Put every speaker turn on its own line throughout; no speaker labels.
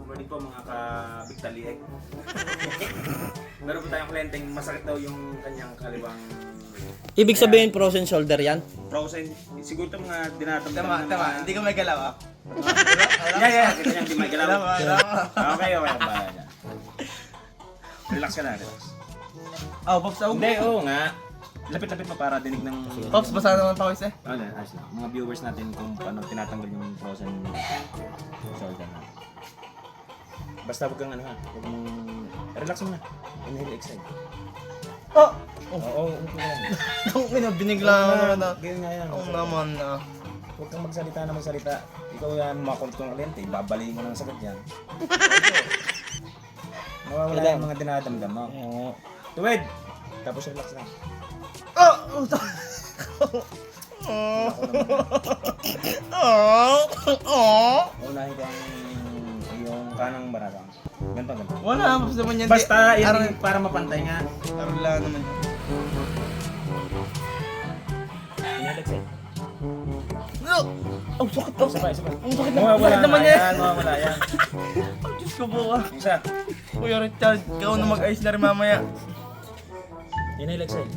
morning po mga ka-Bigtaliek. Meron po tayong kliyenteng masakit daw yung kanyang kaliwang
Ibig sabihin frozen shoulder yan?
frozen. Siguro ito mga dinatamdam
Tama,
ng
tama.
mga...
Hindi ko may galaw ah.
Yeah. Kita niya, hindi may galaw.
Tama.
Okay. Bahala niya. Relax ka na, relax.
Oh, Pops, ako.
Hindi, oo nga. Lapit-lapit mo para dinig ng...
Pops, basa naman pa ko isa.
Ano, ayos lang. Mga viewers natin kung paano tinatanggal yung frozen shoulder na. Basta huwag kang ano ha, huwag mong... Relax mo na. Inhale, exhale.
Oh!
Oo, umupo ka lang.
Ang ina, binigla ako na.
Ganyan nga yan.
Oo naman na.
Huwag kang magsalita na magsalita. Ikaw yan, makulit kong kliyente, babalihin mo ng sakit yan. Nawawala yung mga dinadamdam mo. Tuwid! Tapos relax lang.
Oh!
Unahin ko ang yung kanang barabang. Ganito.
Wala, Pops naman yan.
Basta,
Di-
yan para mapantay nga.
Arla naman.
Inhale, exhale.
No! Oh, sakit to.
Sabay.
Ang sakit na.
Mawawala
Sakit naman
na
yan.
yan, mawawala yan.
Oh, Diyos ko po ah.
Isa.
Kuya Richard, ikaw na mag-ayos na rin mamaya.
Inhale, exhale.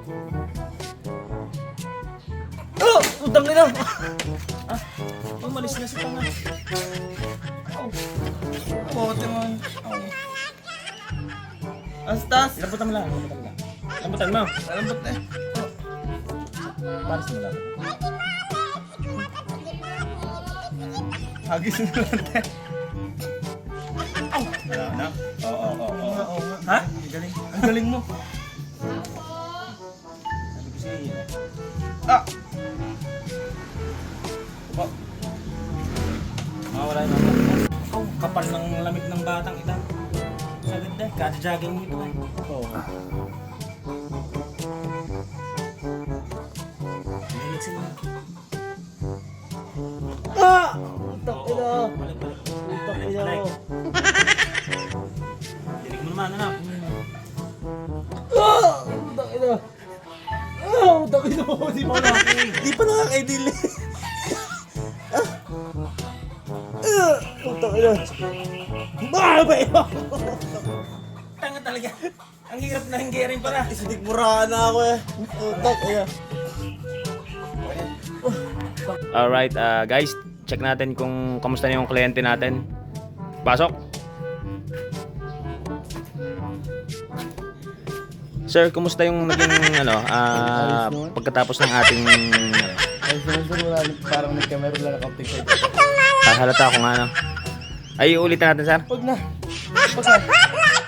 Oh! Utang ina!
Umalis na si Tanga.
Bote mo. Astas!
Lambutan mo lang. Lambutan mo.
Alambot na eh.
Paris mo lang.
Hagis na lang tayo.
Wala na. Oo.
Oo nga.
Ha?
Ang galing. Ang galing mo.
Sabi ko sa'yo.
Ah!
Oh. Mawala na. Oh, kapal ng lamig ng batang ito. Sagad na. Kada-jogging mo ito. Oo. Relax mo.
Ah! Utak ina!
Balik.
Utak ina!
Dinig mo naman, anak.
Ah! Utak ina! Ah! Utak ina mo! Di pa nakakaidili! Utak ina! Ah! Ba ina!
Tanga talaga. Ang hirap na hinggirin pala.
Sinikmurahan na ako eh! Utak ina!
Alright, guys, check natin kung kamusta na yung kliyente natin. Pasok. Sir, kumusta yung naging pagkatapos ng ating
Ay, sir, wala. Parang nagkamero lang na counting side.
halata ko nga Ay, ulitin natin, sir.
Huwag na. Basta.